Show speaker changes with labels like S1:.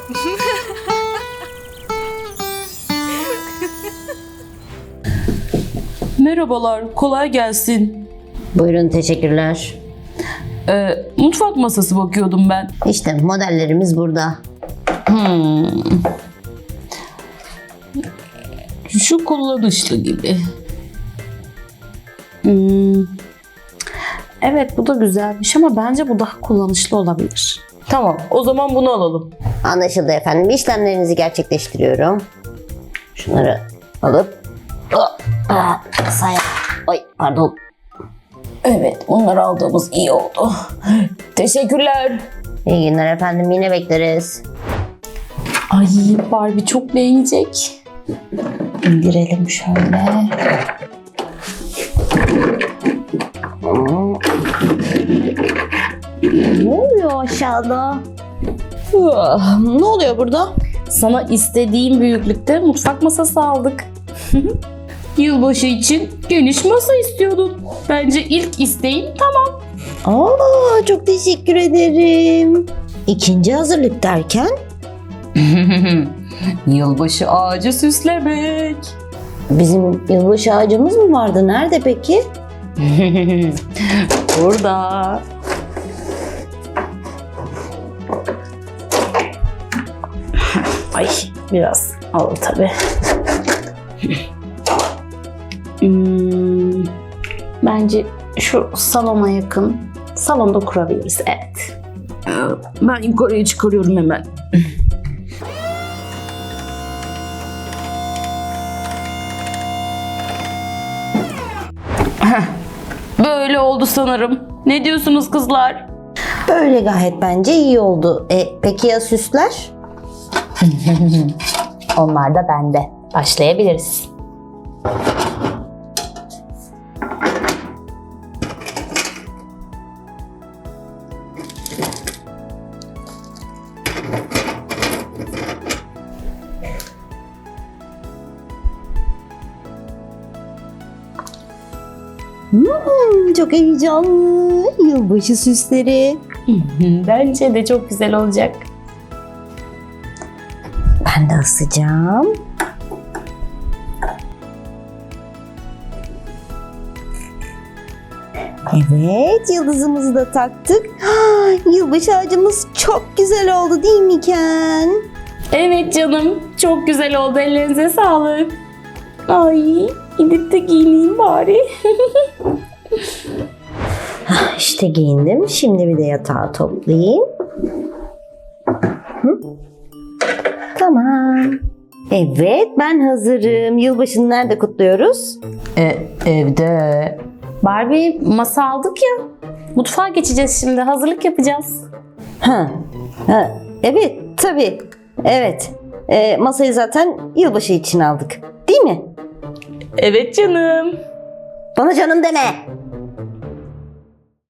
S1: Merhabalar, kolay gelsin.
S2: Buyurun, teşekkürler.
S1: Mutfak masası bakıyordum ben.
S2: İşte modellerimiz burada.
S1: Şu kullanışlı gibi.
S3: Evet, bu da güzelmiş ama bence bu daha kullanışlı olabilir.
S1: Tamam, o zaman bunu alalım.
S2: Anlaşıldı efendim. İşlemlerinizi gerçekleştiriyorum. Şunları alıp Ay pardon.
S1: Evet, bunları aldığımız iyi oldu. Teşekkürler.
S2: İyi günler efendim. Yine bekleriz.
S3: Ay, Barbie çok beğenecek. İndirelim şöyle.
S2: Ne oluyor aşağıda? Ne oluyor burada?
S3: Sana istediğim büyüklükte mutfak masası aldık.
S1: Yılbaşı için geniş masa istiyordun. Bence ilk isteğin tamam.
S2: Çok teşekkür ederim. İkinci hazırlık derken?
S1: Yılbaşı ağacı süslemek.
S2: Bizim yılbaşı ağacımız mı vardı? Nerede peki?
S1: Burada.
S3: Ay, biraz ağır tabii. Bence şu salona yakın. Salonda kurabiliriz, evet.
S1: Ben yukarıya çıkarıyorum hemen. Böyle oldu sanırım. Ne diyorsunuz kızlar?
S2: Böyle gayet bence iyi oldu. Peki ya süsler?
S3: Onlar da bende. Başlayabiliriz.
S2: Çok heyecanlı. Yılbaşı süsleri.
S3: Bence de çok güzel olacak.
S2: Ben de asacağım. Evet, yıldızımızı da taktık. Yılbaşı ağacımız çok güzel oldu değil mi Ken?
S3: Evet canım, çok güzel oldu. Ellerinize sağlık. Ay, gidip de giyineyim bari.
S2: İşte giyindim. Şimdi bir de yatağı toplayayım. Tamam. Evet, ben hazırım. Yılbaşını nerede kutluyoruz?
S1: Evde.
S3: Barbie, masa aldık ya. Mutfağa geçeceğiz şimdi. Hazırlık yapacağız.
S2: Evet, tabii. Evet. Masayı zaten yılbaşı için aldık. Değil mi?
S1: Evet canım.
S2: Bana canım deme.